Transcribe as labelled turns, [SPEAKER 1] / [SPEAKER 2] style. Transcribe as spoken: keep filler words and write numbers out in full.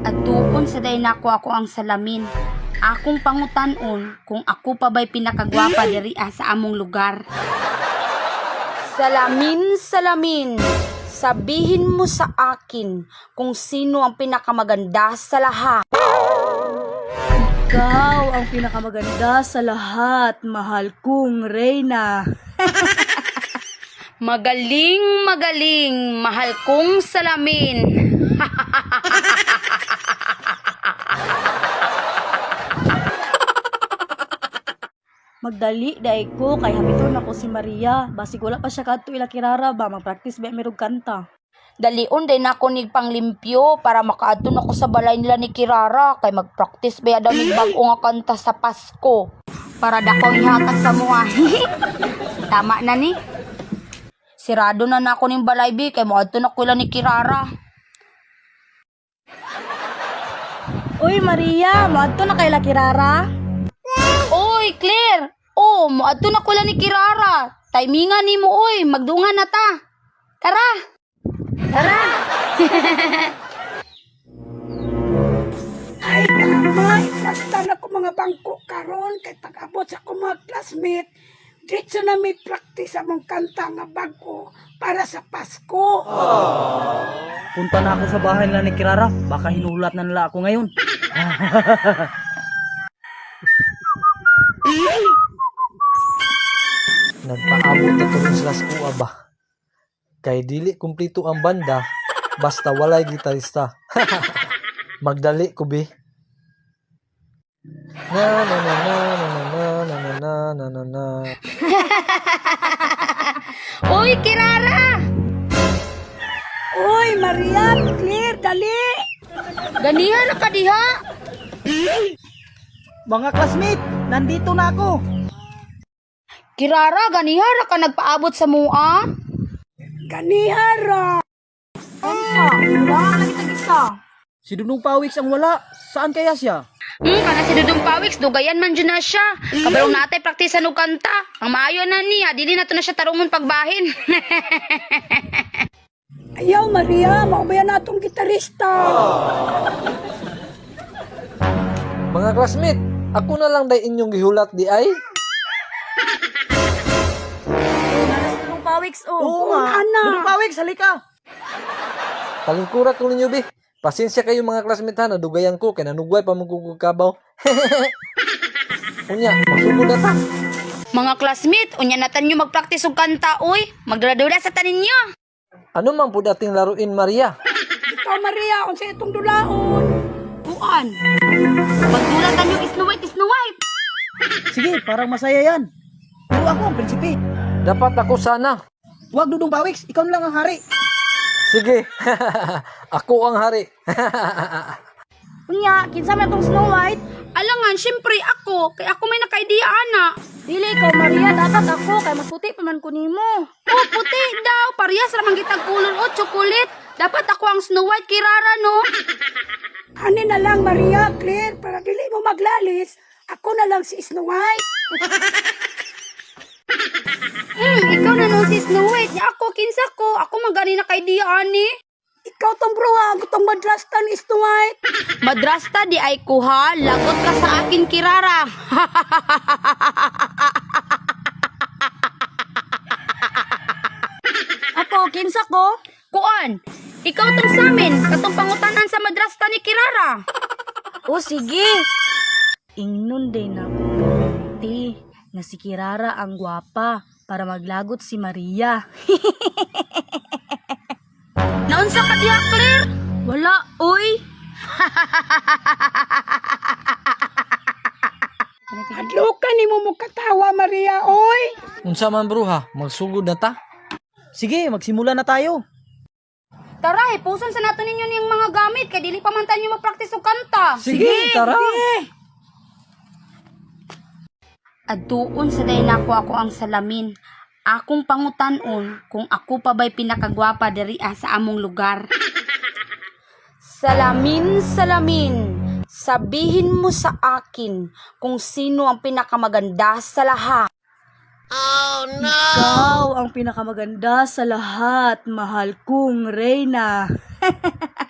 [SPEAKER 1] Adtuon sa day nako ako ang salamin. Akong pangutan-on kung ako pa ba'y pinakagwapa diri ah, sa among lugar. Salamin, salamin, sabihin mo sa akin kung sino ang pinakamaganda sa lahat.
[SPEAKER 2] Ikaw ang pinakamaganda sa lahat, mahal kong Reyna.
[SPEAKER 1] Magaling, magaling, mahal kong salamin.
[SPEAKER 2] Magdali daay ko kay habiton ako si Maria. Basig wala pa siya kadto ila kirara ba mag-practice ba mirog kanta.
[SPEAKER 1] Dalion din ako nig panglimpyo para makaadton ako sa balay nila ni Kirara kay mag-practice ba daw mig bag-o nga kanta sa Pasko para dakong ihatag sa mga. Tama na ni. Sirado na nako ning balay bi kay moadto na ko ila ni Kirara.
[SPEAKER 2] Uy Maria, moadto na kay la kirara?
[SPEAKER 1] Oy, Claire! Oh, moadto na ko ila ni Kirara. Timingan nimo oy, magdungan na ta. Tara. Tara.
[SPEAKER 3] Ay, kamay, basta na ko mga bangko karon kay pag-abot sa akong mga classmate. Diretso na may practice among kanta nga bago para sa Pasko.
[SPEAKER 4] Punta na ako sa bahay nila ni Kirara. Baka hinulat na nila ako ngayon.
[SPEAKER 5] Nagpaabot na tuloy sila sa kuha ba? Kay dili kumplito ang banda, basta walay gitarista. Magdali ko bi. Na na na na na na na na na na na.
[SPEAKER 1] Oy, Kirara!
[SPEAKER 3] Uy, Maria, Claire, dali!
[SPEAKER 1] Ganiha na ka diha.
[SPEAKER 4] Mga classmate, nandito na ako.
[SPEAKER 1] Kirara, ganiha na ka nagpaabot sa mua.
[SPEAKER 3] Ganihara!
[SPEAKER 1] Unsa? Wala ka lagi tag-isa.
[SPEAKER 4] Si Dunong Pawiks ang wala. Saan kaya siya?
[SPEAKER 1] Hmm, kana si Dudong Pawiks, dugayan man dyan na siya. Kabarong natay praktisan og kanta. Ang maayo na niya, dili na to na siya tarungon pagbahin.
[SPEAKER 3] Ayaw, Maria, maubayan na itong gitarista.
[SPEAKER 5] Mga classmate, ako na lang day inyong gihulat di ay.
[SPEAKER 2] Anong pawiks oh.
[SPEAKER 4] Oo nga.
[SPEAKER 3] ana.
[SPEAKER 4] Dunong Pawiks, halika.
[SPEAKER 5] Palingkurat ko ninyo bi. Pasensya kayo mga classmate ha, nadugayan ko kay nanugway pa magkukukabaw. Unya, masugod na ta.
[SPEAKER 1] Mga classmate, unya natan nyo magpraktis og kanta, uy. Magdula-dula sa tanin nyo.
[SPEAKER 5] Ano man po dating laruin Maria?
[SPEAKER 3] Ikaw, Maria, kung sa itong dulaon.
[SPEAKER 1] Kuan. Magdulatan nyo Snow White, Snow White.
[SPEAKER 4] Sige, parang masaya yan. Pero ako ang prinsipe.
[SPEAKER 5] Dapat ako sana.
[SPEAKER 4] Huwag Dudong Pawiks, ikaw na lang ang hari.
[SPEAKER 5] Sige. Ako ang hari.
[SPEAKER 2] Unya, kinsa man tong Snow White?
[SPEAKER 1] Alangan, syempre ako. Kay ako may naka-idea, ana.
[SPEAKER 2] Dili ikaw Maria, dapat ako kay mas puti pa man ko nimo.
[SPEAKER 1] Oh, puti daw. Parehas ramang gitag kulor o chocolate. Dapat ako ang Snow White Kirara, no?
[SPEAKER 3] Ani na lang, Maria, Claire, para dili mo maglalis. Ako na lang si Snow White.
[SPEAKER 1] Hmm, ikaw na no si Snow White. Nya ako, kinsa ko. Ako magani naka-idea, ani.
[SPEAKER 3] Ikaw tong bruha, itong madrasta ni Snow White.
[SPEAKER 1] Madrasta di ay kuha. Lagot ka sa akin, Kirara.
[SPEAKER 2] Ako, kinsa ko?
[SPEAKER 1] Kuan, ikaw tong samin. Katong pangutanan sa madrasta ni Kirara.
[SPEAKER 2] O sige. Ingnon din na ti nga si Kirara ang gwapa para maglagot si Maria.
[SPEAKER 1] Naunsa ka diha, Claire?
[SPEAKER 2] Wala, oy.
[SPEAKER 3] Adlukan ni mo mo katawa, Maria, oy.
[SPEAKER 5] Unsa man bruha, magsugod na ta.
[SPEAKER 4] Sige, magsimula na tayo.
[SPEAKER 1] Tara, ipuson sa nato ninyo niyang mga gamit. Kay dili pa man tayo magpraktis og kanta.
[SPEAKER 5] Sige, tara.
[SPEAKER 1] Adtuon sa day nako ako ang salamin. Akong pangutan-on kung ako pa ba'y pinakagwapa diri ah, sa among lugar. Salamin, salamin, sabihin mo sa akin kung sino ang pinakamaganda sa lahat.
[SPEAKER 2] Ikaw ang pinakamaganda sa lahat, mahal kong Reyna.